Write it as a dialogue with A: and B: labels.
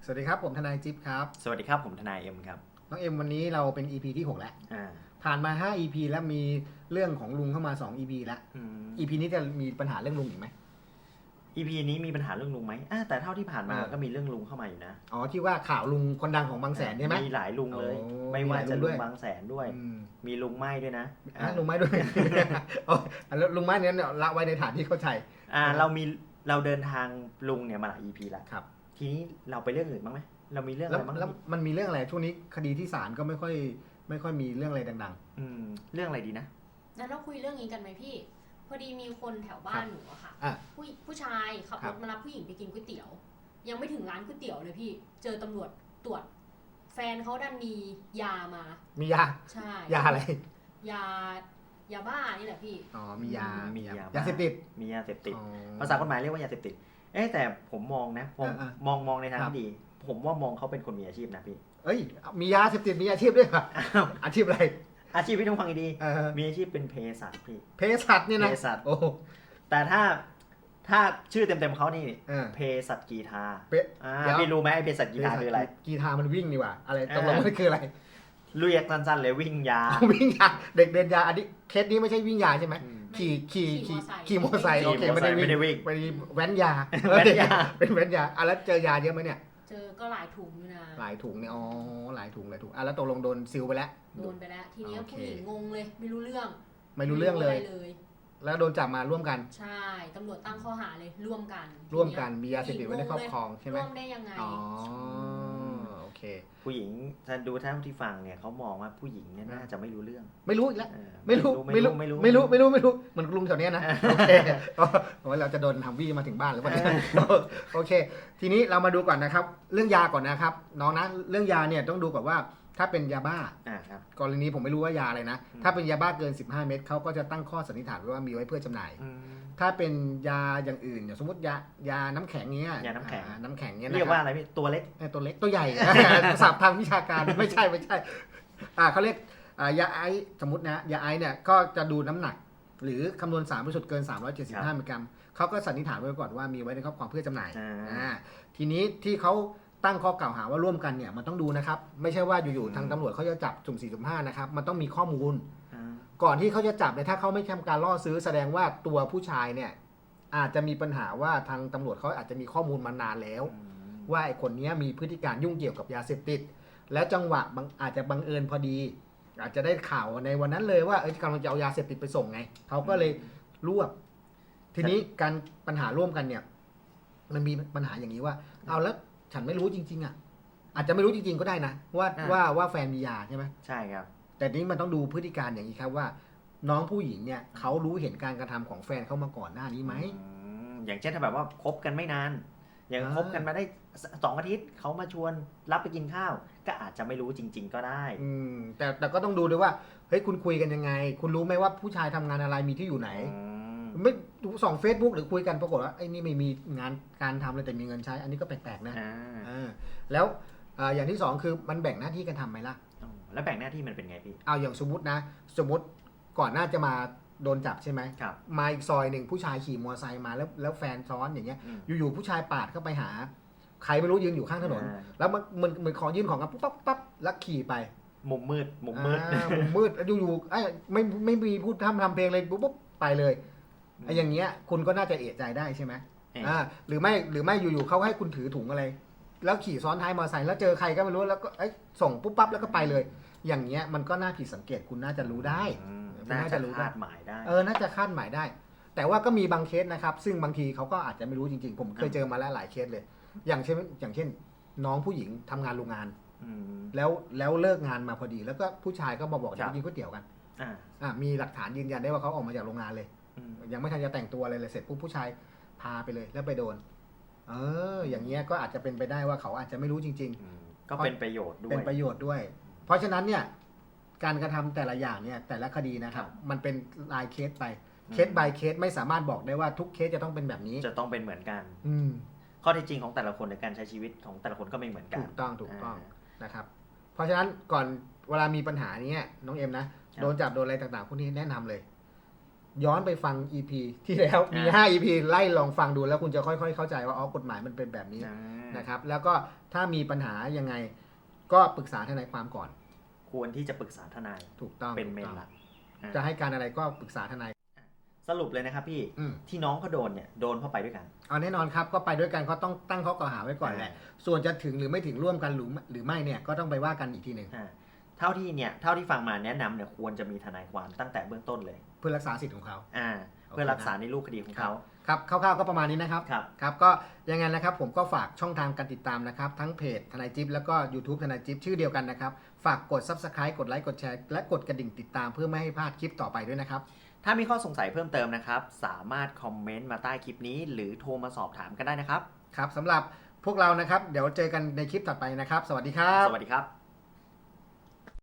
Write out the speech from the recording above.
A: วัสดีครับผมทนายจิ๊บครับ
B: สวัสดีครับผมทนายเอ็มครับ
A: น้องเอ็มวันนี้เราเป็น EP ที่6แล้วผ่านมา5 EP แล้วมีเรื่องของลุงเข้ามา2 EP แล้ว EP นี้จะมีปัญหาเรื่องลุงอีกไหม
B: EP นี้มีปัญหาเรื่องลุงไหมแต่เท่าที่ผ่านมาก็มีเรื่องลุงเข้ามาอยู่นะ
A: อ๋อที่ว่าข่าวลุงคนดังของบางแสนใช่ไหม
B: มีหลายลุงเลยไม่ว่าจะลุงบางแสนด้วยมีลุงไม้ด้วยนะ
A: ลุงไม้ด้วยแล้วลุงไม้เนี้ยละไว้ในฐานที่เข้าใจ
B: เราเดินทางลุงเนี่ยมาหลาย EP แล้ว
A: ครับ
B: ทีนี้เราไปเรื่องอื่นบ้างไหมเรามีเรื่องอะไรบ้าง
A: แล้วมันมีเรื่องอะไรช่วงนี้คดีที่ศาลก็ไม่ค่อยมีเรื่องอะไรดัง
B: ๆเรื่องอะไรดีนะ
C: งั้นเราคุยเรื่องนี้กันไหมพี่พอดีมีคนแถวบ้านหนูอะค่ะผู้ชายขับรถมารับผู้หญิงไปกินก๋วยเตี๋ยวยังไม่ถึงร้านก๋วยเตี๋ยวเลยพี่เจอตำรวจตรวจแฟนเขาดันมียามา
A: มียา
C: ใช่
A: ยาอะไร
C: ยาบ้านี่แหละพี่
A: อ๋อมียาเสพติด
B: มียาเสพติดภาษากฎหมายเรียกว่ายาเสพติดแต่ผมมองนะผมมองในทางที่ดีผมว่ามองเขาเป็นคนมีอาชีพนะพี่
A: มียาเสพติดมีอาชีพด้วยค่ะอาชีพอะไร
B: อาชีพพี่ต้องฟังดีๆมีอาชีพเป็นเภสัชพี่
A: เภสัชเนี่ยนะ
B: เภสัชแต่ถ้าชื่อเต็มๆเขานี่เภสัชกีทาพี่รู้ไหมไอ้เภสัชกีทาคืออะไร
A: กีทามันวิ่งนี่หว่าอะไรตกลงมันคืออะไร
B: เรียกสั้นๆเลยวิ่งยา
A: เด็กเดินยาอันนี้เคสนี้ไม่ใช่วิ่งยาใช่ไหมขี่มอเตอร์ไซค์โอเคไม่ได้วิ่งไปแว้นยาเป็นแว้นยาแล้วเจอยาเยอะไหมเนี่ย
C: เจอก็หลายถุงอยู่นะ
A: หลายถุงเนี่ยหลายถุงแล้วตกลงโดนซิลไปแล้ว
C: โดนไปแล้วทีนี้ผู้หญิงงงเลยไม่รู้เรื่อง
A: เลยแล้วโดนจับมาร่วมกัน
C: ใช่ตำรวจตั้งข้อหาเลยร่วม
A: กันมียาเสพติดไว้ในครอบครองใช่ไหม
C: ร่วมได้ยังไง
A: โอเค
B: ผู้หญิงถ้าดูท่านที่ฟังเนี่ยเขามองว่าผู้หญิงเนี่ยน่าจะไม่รู้เรื่อง
A: ไม่รู้อีกแล้วไม่รู้เหมือนลุงแถวเนี้ยนะโอเคเราจะโดนทำวี่มาถึงบ้านหรือเปล่าโอเคทีนี้เรามาดูก่อนนะครับเรื่องยาก่อนนะครับน้องนะเรื่องยาเนี่ยต้องดูก่อนว่าถ้าเป็นยาบ้ากรณีผมไม่รู้ว่ายาอะไรนะถ้าเป็นยาบ้าเกิน15 เม็ดเขาก็จะตั้งข้อสันนิษฐานไว้ว่ามีไว้เพื่อจำหน่ายถ้าเป็นยาอย่างอื่นอย่างสมมติยาน้ำแข็งเงี้ย
B: ยาน้ำแข็ง
A: เงี้ย
B: เรียกว่าอะไรพี่ตัวเล็ก
A: ตัวใหญ่ศัพท์ทางวิชาการไม่ใช่เขาเรียกยาไอสมมตินะยาไอเนี่ยก็จะดูน้ำหนักหรือคำนวณสารบริสุทธิ์เกิน375 มิลลิกรัมเขาก็สันนิษฐานไว้ก่อนว่ามีไว้ในครอบครองเพื่อจำหน่ายทีนี้ที่เขาตั้งข้อกล่าวหาว่าร่วมกันเนี่ยมันต้องดูนะครับไม่ใช่ว่าอยู่ๆทางตำรวจเขาจะจับสุ่ม4สุ่ม5นะครับมันต้องมีข้อมูลก่อนที่เขาจะจับเนี่ยถ้าเขาไม่ทำการล่อซื้อแสดงว่าตัวผู้ชายเนี่ยอาจจะมีปัญหาว่าทางตำรวจเขาอาจจะมีข้อมูลมานานแล้วว่าไอ้คนนี้มีพฤติการยุ่งเกี่ยวกับยาเสพติดแล้วจังหวะอาจจะบังเอิญพอดีอาจจะได้ข่าวในวันนั้นเลยว่ากำลังจะเอายาเสพติดไปส่งไงเขาก็เลยรวบทีนี้การปัญหาร่วมกันเนี่ยมันมีปัญหาอย่างนี้ว่าเอาแล้วฉันไม่รู้จริงๆอ่ะอาจจะไม่รู้จริงๆก็ได้นะว่าแฟนมียาใช่ไหม
B: ใช่ครับ
A: แต่นี้มันต้องดูพฤติการอย่างนี้ครับว่าน้องผู้หญิงเนี่ยเขารู้เห็นการกระทำของแฟนเขามาก่อนหน้านี้ไหม
B: อย่างเช่นถ้าแบบว่าคบกันไม่นานอย่างคบกันมาได้2 อาทิตย์เขามาชวนรับไปกินข้าวก็อาจจะไม่รู้จริงๆก็ได้
A: แต่ก็ต้องดูด้วยว่าเฮ้ยคุณคุยกันยังไงคุณรู้ไหมว่าผู้ชายทำงานอะไรมีที่อยู่ไหนไม่ดูส่อง Facebook หรือคุยกันปรากฏว่าไอ้นี่ไม่มีงานการทำเลยแต่มีเงินใช้อันนี้ก็แปลกๆนะแล้วอย่างที่2คือมันแบ่งหน้าที่กันทำไหมล่ะ
B: แล้วแบ่งหน้าที่มันเป็นไงพี่
A: เอาอย่างสมมติก่อนหน้าจะมาโดนจับใช่ไหมมาอีกซอยหนึ่งผู้ชายขี่มอเตอร์ไซค์มาแล้วแฟนซ้อนอย่างเงี้ยอยู่ๆผู้ชายปาดเข้าไปหาใครไม่รู้ยืนอยู่ข้างถนนแล้วมันเหมือนขอยื่นของกันปั๊บแล้วขี่ไป
B: มุมมืด
A: แล้วอยู่ๆไม่มีพูดทำเพลงเลยปุ๊บไปเลยอย่างเงี้ยคุณก็น่าจะเอะใจได้ใช่ไหมหรือไม่อยู่ๆเขาให้คุณถือถุงอะไรแล้วขี่ซ้อนท้ายมอเตอร์ไซค์แล้วเจอใครก็ไม่รู้แล้วก็ส่งปุ๊บปั๊บแล้วก็ไปเลยอย่างเงี้ยมันก็น่าผิดสังเกตคุณน่าจะรู้ได้
B: น่าจะคาดหมายได้
A: น่าจะคาดหมายได้แต่ว่าก็มีบางเคสนะครับซึ่งบางทีเขาก็อาจจะไม่รู้จริงๆผมเคยเจอมาแล้วหลายเคสเลยอย่างเช่นน้องผู้หญิงทำงานโรงงานแล้วเลิกงานมาพอดีแล้วก็ผู้ชายก็มาบอกจะกินก๋วยเตี๋ยวกันมีหลักฐานยืนยันได้ว่าเขาออกมาจากโรงงานเลยยังไม่ทันจะแต่งตัวอะไรเลยเสร็จปุ๊บผู้ชายพาไปเลยแล้วไปโดนอย่างเงี้ยก็อาจจะเป็นไปได้ว่าเขาอาจจะไม่รู้จริง
B: ๆก็เป็นประโยชน์
A: ด้วยเพราะฉะนั้นเนี่ยการกระทำแต่ละอย่างเนี่ยแต่ละคดีนะครับมันเป็นรายเคสไปเคส by เคสไม่สามารถบอกได้ว่าทุกเคสจะต้องเป็นแบบนี้
B: จะต้องเป็นเหมือนกันข้อเท็จจริงของแต่ละคนในการใช้ชีวิตของแต่ละคนก็ไม่เหมือนกัน
A: ถูกต้องนะครับเพราะฉะนั้นก่อนเวลามีปัญหานี้น้องเอ็มนะโดนจับโดนอะไรต่างๆพวกนี้แนะนำเลยย้อนไปฟัง EP ที่แล้วมี5 EP ไล่ลองฟังดูแล้วคุณจะค่อยๆเข้าใจว่าอ๋อกฎหมายมันเป็นแบบนี้นะครับแล้วก็ถ้ามีปัญหายังไงก็ปรึกษาทนายความก่อน
B: ควรที่จะปรึกษาทนาย
A: ถูกต้อง
B: เป็นเมน
A: ถูก
B: ห
A: ต้
B: ลั
A: อก ง
B: อ่า
A: จะให้การอะไรก็ปรึกษาทนาย
B: สรุปเลยนะครับพี่
A: อืม
B: ที่น้องเขาโดนเนี่ยโดนเพราะไปด้วยกัน
A: เอาแน่นอนครับก็ไปด้วยกันก็ต้องตั้งข้อกล่าวหาไว้ก่อนแหละส่วนจะถึงหรือไม่ถึงร่วมกันหรือไม่เนี่ยก็ต้องไปว่ากันอีกทีหนึ่ง
B: เท่าที่ฟังมาแนะนำเนี่ยควรจะมีทนายความตั้งแต่เบื้องต้นเลย
A: เพื่อรักษาสิทธิ์ของเขา
B: เพื่อรักษาในรูปคดีของเขา
A: ครับคร่าวๆก็ประมาณนี้นะครับ
B: ครับ
A: ครับก็ยังไงนะครับผมก็ฝากช่องทางการติดตามนะครับทั้งเพจทนายจิ๊บแล้วก็ YouTube ทนายจิ๊บชื่อเดียวกันนะครับฝากกด Subscribe กดไลค์กดแชร์และกดกระดิ่งติดตามเพื่อไม่ให้พลาดคลิปต่อไปด้วยนะครับ
B: ถ้ามีข้อสงสัยเพิ่มเติมนะครับ สามารถคอมเมนต์มาใต้คลิปนี้ หรือโทรมาสอบถามกันได้นะครับ
A: ครับสำหรับพวกเรานะครับเดี๋ยวเจอกันในคลิปถัดไปนะครับ สวัสดีครับ
B: สวัสดีครับ